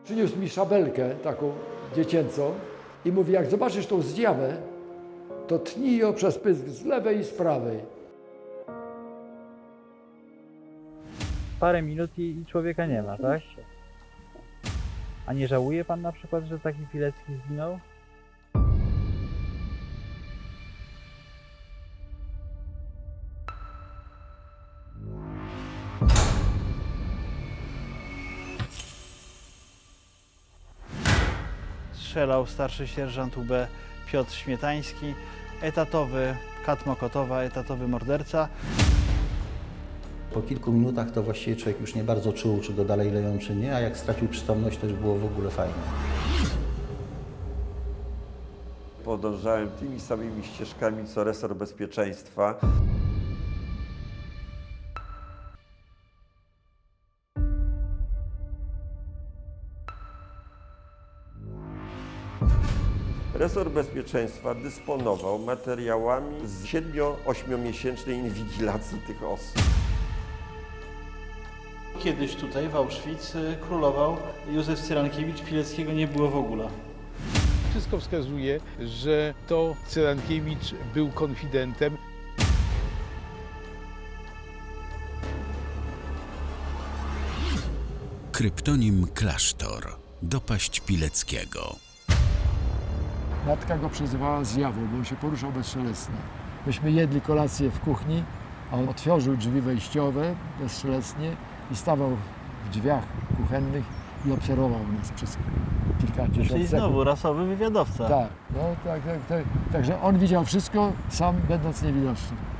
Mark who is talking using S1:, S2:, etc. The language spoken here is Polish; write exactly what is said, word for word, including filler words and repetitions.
S1: Przyniósł mi szabelkę taką dziecięcą i mówi, jak zobaczysz tą zjawę, to tnij ją przez pysk z lewej i z prawej.
S2: Parę minut i, i człowieka nie ma, tak? A nie żałuje pan na przykład, że taki Pilecki zginął? Strzelał starszy sierżant U B Piotr Śmietański, etatowy kat Mokotowa, etatowy morderca.
S3: Po kilku minutach to właściwie człowiek już nie bardzo czuł, czy go dalej leją, czy nie, a jak stracił przytomność, to już było w ogóle fajne.
S4: Podążałem tymi samymi ścieżkami, co resort bezpieczeństwa. Resort bezpieczeństwa dysponował materiałami z siedmiu-ośmiomiesięcznej inwigilacji tych osób.
S5: Kiedyś tutaj w Auschwitz królował Józef Cyrankiewicz, Pileckiego nie było w ogóle.
S6: Wszystko wskazuje, że to Cyrankiewicz był konfidentem.
S7: Kryptonim Klasztor. Dopaść Pileckiego.
S1: Matka go przezywała zjawą, bo on się poruszał bezszelestnie. Myśmy jedli kolację w kuchni, a on otworzył drzwi wejściowe bezszelestnie i stawał w drzwiach kuchennych i obserwował nas przez kilkadziesiąt
S2: Czyli
S1: sekund.
S2: znowu rasowy wywiadowca.
S1: Tak, no tak, tak, tak. Także on widział wszystko, sam będąc niewidoczny.